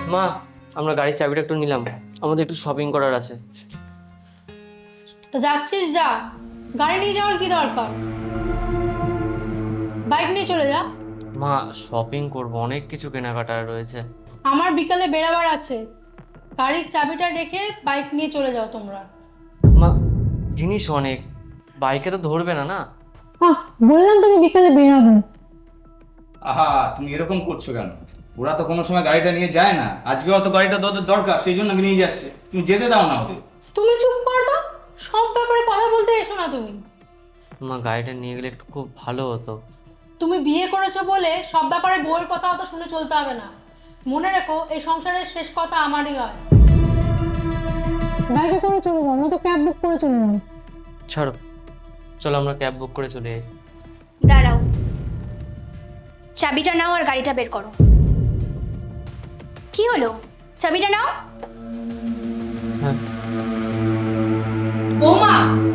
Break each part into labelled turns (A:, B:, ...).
A: মা, আমরা গাড়ির চাবিটা একটু নিলাম, আমাদের একটু শপিং করার আছে।
B: তো যাচ্ছিস যা, গাড়ি নিয়ে যাওয়ার কি দরকার? বাইক নিয়ে চলে যা।
A: মা, শপিং করব, অনেক কিছু কেনাকাটার রয়েছে।
B: আমার বিকালে বেরাবার আছে, গাড়ির চাবিটা রেখে বাইক নিয়ে চলে যাও তোমরা।
A: মা, জিনিস অনেক, বাইকে তো ধরবে না না?
B: বললাম তুমি বিকালে বেরাবে।
C: আহা, তুমি এরকম করছো কেন? ওরা তো কোনো সময় গাড়িটা নিয়ে যায় না, আজকে অত গাড়িটা তোদের দরকার সেই জন্য নিয়ে যাচ্ছে। তুমি যেতে দাও না ওদের।
B: তুমি চুপ কর তো, সব ব্যাপারে কথা বলতে এসো না তুমি।
A: মা, গাড়িটা নিয়ে গেলে একটু খুব ভালো হতো।
B: তুমি বিয়ে করেছো বলে সব ব্যাপারে বউয়ের কথা অত শুনে চলতে হবে না। মনে রেখো, এই সংসারের শেষ কথা আমারই হয়। বাইকে করে চলে যাও, নয়তো ক্যাব বুক করে চলে যাও।
A: ছাড়ো, চলো আমরা ক্যাব বুক করে চলে যাই।
D: দাঁড়াও, চাবিটা নাও আর গাড়িটা বের করো। কি হলো? চাবিটা নাও।
A: হ্যাঁ।
B: বৌমা,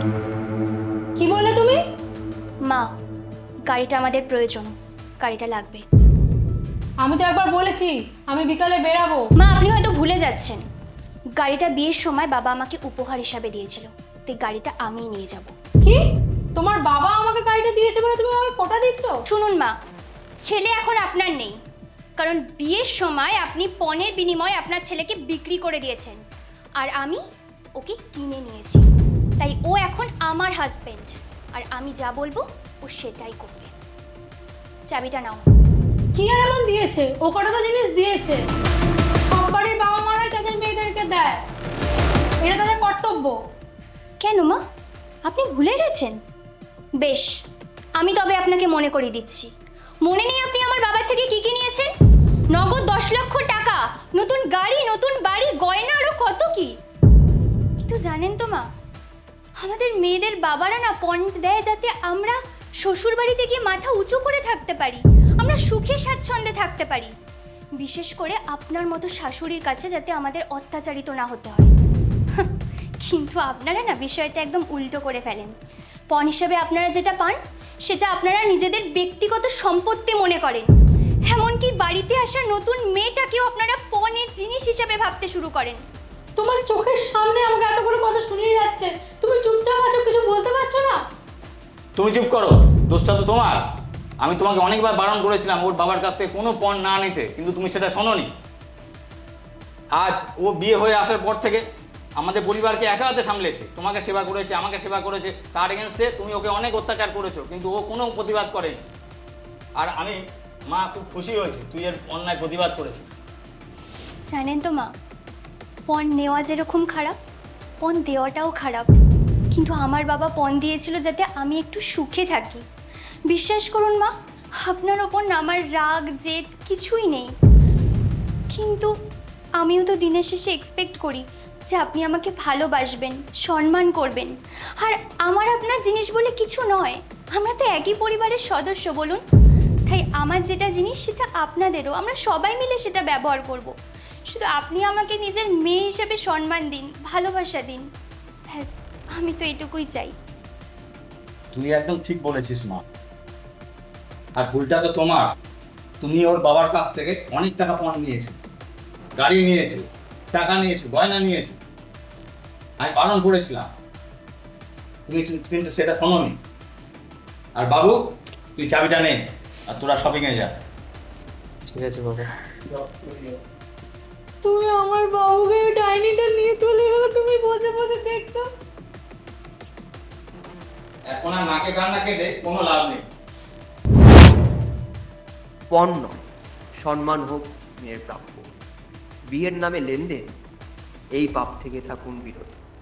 B: কি বললে তুমি?
D: মা, গাড়িটা আমাদের প্রয়োজন, গাড়িটা লাগবে।
B: আমি তো একবার বলেছি আমি বিকালে বেরাবো।
D: মা, আপনি হয়তো ভুলে যাচ্ছেন, গাড়িটা বিয়ের সময় বাবা আমাকে উপহার হিসাবে দিয়েছিল, তাই গাড়িটা আমিই নিয়ে যাব।
B: কি? তোমার বাবা আমাকে গাড়িটা দিয়েছে বলে তুমি আমাকে কোটা দিচ্ছ?
D: শুনুন মা, ছেলে এখন আপনার নেই, কারণ বিয়ের সময় আপনি পণের বিনিময়ে আপনার ছেলেকে বিক্রি করে দিয়েছেন, আর আমি ওকে কিনে নিয়েছি, তাই ও এখন আমার হাজবেন্ড, আর আমি যা বলবো ও সেটাই করবে। চাবিটা নাও।
B: কি আর এমন দিয়েছে? ও কটা তো জিনিস দিয়েছে, সব বাড়ির বাবা মারাই তাদের মেয়েদেরকে দেয়, এটা তাদের কর্তব্য।
D: কেন মা, আপনি ভুলে গেছেন? বেশ, আমি তবে আপনাকে মনে করিয়ে দিচ্ছি। মনে নেই আপনি আমার বাবার থেকে কি কি নিয়েছেন? নগদ 10 লক্ষ টাকা, নতুন গাড়ি, নতুন বাড়ি, গয়না, আরো কত কি। কিন্তু জানেন তো মা, আমাদের মেয়েদের বাবারা না পণ দেয় যাতে আমরা শ্বশুর বাড়িতে গিয়ে মাথা উঁচু করে থাকতে পারি, আমরা সুখে স্বাচ্ছন্দ্যে থাকতে পারি, বিশেষ করে আপনার মতো শাশুড়ির কাছে যাতে আমাদের অত্যাচারিত না হতে হয়। কিন্তু আপনারা না বিষয়টা একদম উল্টো করে ফেলেন। পণ হিসেবে আপনারা যেটা পান সেটা আপনারা নিজেদের ব্যক্তিগত সম্পত্তি মনে করেন, এমনকি বাড়িতে আসা নতুন মেয়েটাকেও আপনারা পণের জিনিস হিসেবে ভাবতে শুরু করেন।
B: তোমার চোখের সামনে আমাকে এতগুলো কথা শুনিয়ে যাচ্ছে, তুমি চুপচাপ আছো, কিছু বলতে পারছো না?
C: তুমি চুপ করো, দোষটা তো তোমার। আমি তোমাকে অনেকবার বারণ করেছিলাম ওর বাবার কাছ থেকে কোনো পণ না নিতে, কিন্তু তুমি সেটা শোনোনি। আজ ও বিয়ে হয়ে আসার পর থেকে আমাদের পরিবারকে একা হাতে সামলেছে, তোমাকে সেবা করেছে, আমাকে সেবা করেছে, তার এগেনস্টে তুমি ওকে অনেক অত্যাচার করেছো, কিন্তু ও কোনো প্রতিবাদ করেনি। আর আমি মা খুব খুশি হয়েছি তুই এর অন্যায় প্রতিবাদ করেছিস।
D: জানেন তো মা, পণ নেওয়া যেরকম খারাপ, পণ দেওয়াটাও খারাপ, কিন্তু আমার বাবা পণ দিয়েছিল যাতে আমি একটু সুখে থাকি। বিশ্বাস করুন মা, আপনার ওপর না আমার রাগ জেদ কিছুই নেই, কিন্তু আমিও তো দিনের শেষে এক্সপেক্ট করি যে আপনি আমাকে ভালোবাসবেন, সম্মান করবেন। আর আমার আপনার জিনিস বলে কিছু নয়, আমরা তো একই পরিবারের সদস্য বলুন। তাই আমার যেটা জিনিস সেটা আপনাদেরও, আমরা সবাই মিলে সেটা ব্যবহার করব। শুধু আপনি আমাকে নিজের মেয়ে হিসেবে সম্মান দিন, ভালোবাসা দিন, ব্যাস, আমি তো এটুকুই চাই।
C: তুই একদম ঠিক বলেছিস মা, আর ভুলটা তো তোমার। তুমি ওর বাবার কাছ থেকে অনেক টাকা পণ নিয়েছো, গাড়ি নিয়েছো, টাকা নিয়েছো, গয়না নিয়েছো। আমি বারণ করেছিলাম, তুমি কিন্তু সেটা শোনোনি। আর বাবু, তুই চাবিটা নে আর তোরা শপিংয়ে যা।
A: ঠিক আছে বাবা।
B: তুমি আমার বাবুকে ডাইনিটা নিয়ে চলে গেলে, তুমি বসে বসে দেখছো।
C: এখন আর নাকে কান্না কেঁদে কোনো লাভ নেই।
E: পণ নয়, সম্মান হোক মেয়ের প্রাপ্য। বিয়ের নামে লেনদেন, এই পাপ থেকে থাকুন বিরত।